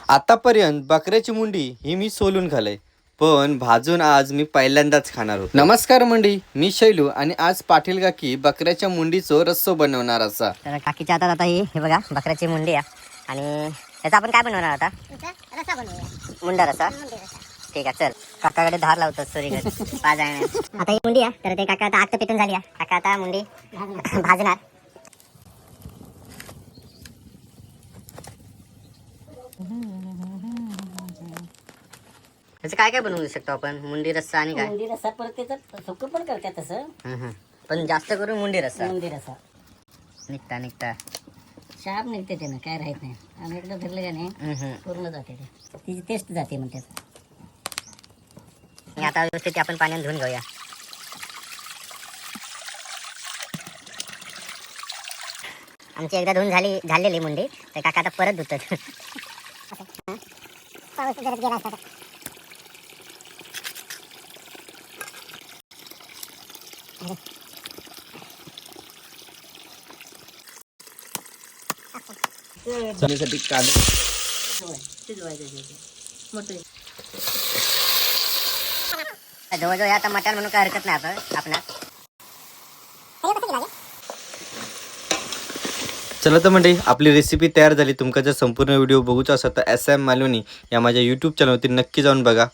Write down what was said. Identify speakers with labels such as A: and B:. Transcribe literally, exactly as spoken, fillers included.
A: आतापर्यंत बकऱ्याची मुंडी ही मी सोलून खाल्लंय, पण भाजून आज मी पहिल्यांदाच खाणार होतो। नमस्कार मंडी, मी शैलू आणि आज पाटील काकी बकऱ्याच्या मुंडीचो रस्सो बनवणार असा।
B: तर काकीच्या हातात आता ही हे बघा बकऱ्याची मुंडी आहे आणि त्याचा आपण काय बनवणार आता?
C: रसा बनवूया.
B: मुंडा रसा।
C: मुंडी रसा.
B: ठीक आहे, चल काकाकडे धार लावतो सोरीकडे पाच आहे आता ही मुंडी आहे, तर ते काका आता आत पेटून झाली आहे। काका आता मुंडी भाजणार। त्याचं काय काय बनवू शकतो आपण? मुंडी रस्सा आणि काय?
C: मुंडी रसा परत त्याचं सुकं पण करतात तसं.
B: हम्म, हम्म. पण जास्त करून मुंडी रस्सा
C: मुंडी रसा
B: निघता निघता
C: शाप निघते त्यानं, काय राहत नाही. आम्ही एकदा धरलं का नाही
B: हम्म, हम्म.
C: पूर्ण जाते ते, तिची टेस्ट जाते मग त्याचं.
B: आणि आता व्यवस्थित ते आपण पाण्यात धुवून घेऊया। आमची एकदा धुवून झाली झालेली मुंडी, तर काका आता परत धुतात।
C: पाऊस जरा गेला असता तर.
A: चण्यासाठी कांदा
C: शिजवायचं ते. मोठं
B: जवळजवळ हे आता मटण म्हणून काय हरकत नाही आता आपणास।
A: चला तर मंडळी, आपली रेसिपी तयार झाली। तुमका जर संपूर्ण व्हिडिओ बघूचा असेल तर एस एम मालवणी या माझ्या यूट्यूब चॅनलवरती नक्की जाऊन बघा।